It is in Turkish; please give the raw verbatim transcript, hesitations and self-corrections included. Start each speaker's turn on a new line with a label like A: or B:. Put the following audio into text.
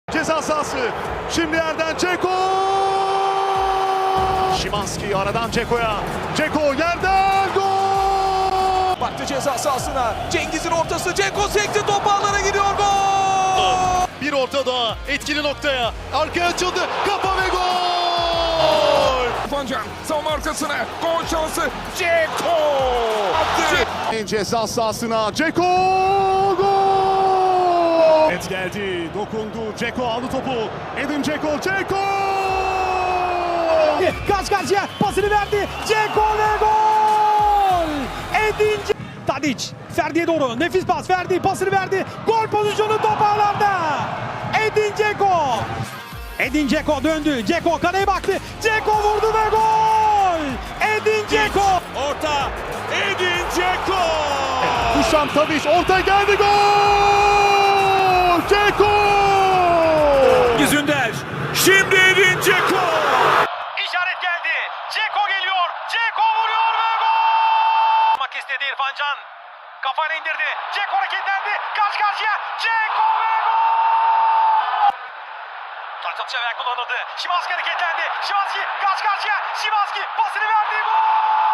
A: Ceza sahası. Şimdi yerden Dzeko. Szymański aradan Dzeko'ya. Dzeko yerden gol.
B: Baktı ceza sahasına. Cengiz'in ortası. Dzeko sekti, top ağlara gidiyor. Gol!
A: Bir orta daha etkili noktaya. Arkaya açıldı. Kafa ve gol.
B: Fancan savunma arkasına. Gol şansı. Dzeko! Attı.
A: Ceza sahasına Dzeko gol! Evet geldi, dokundu. Dzeko aldı topu. Edin Dzeko, Dzeko!
C: Karşı karşıya pasını verdi. Dzeko ve gol! Edin Dzeko. Tadic, Ferdi'ye doğru. Nefis pas. Ferdi pasını verdi. Gol pozisyonu top ağlarda. Edin Dzeko. Edin Dzeko döndü. Dzeko kaleye baktı. Dzeko vurdu ve gol! Edin Dzeko.
B: Orta. Edin Dzeko!
A: Dušan Tadić orta geldi, gol! Dzeko!
B: Yüzünder. Şimdi Edin Dzeko!
C: İşaret geldi. Dzeko geliyor. Dzeko vuruyor ve gol! Yapmak istedi İrfan Can. Kafayla indirdi. Dzeko hareketlendi. Karşı karşıya. Dzeko ve gol! Taç atışı ayak kullanıldı. Szymański hareketlendi. Szymański karşı karşıya. Szymański pasını verdi. Gol!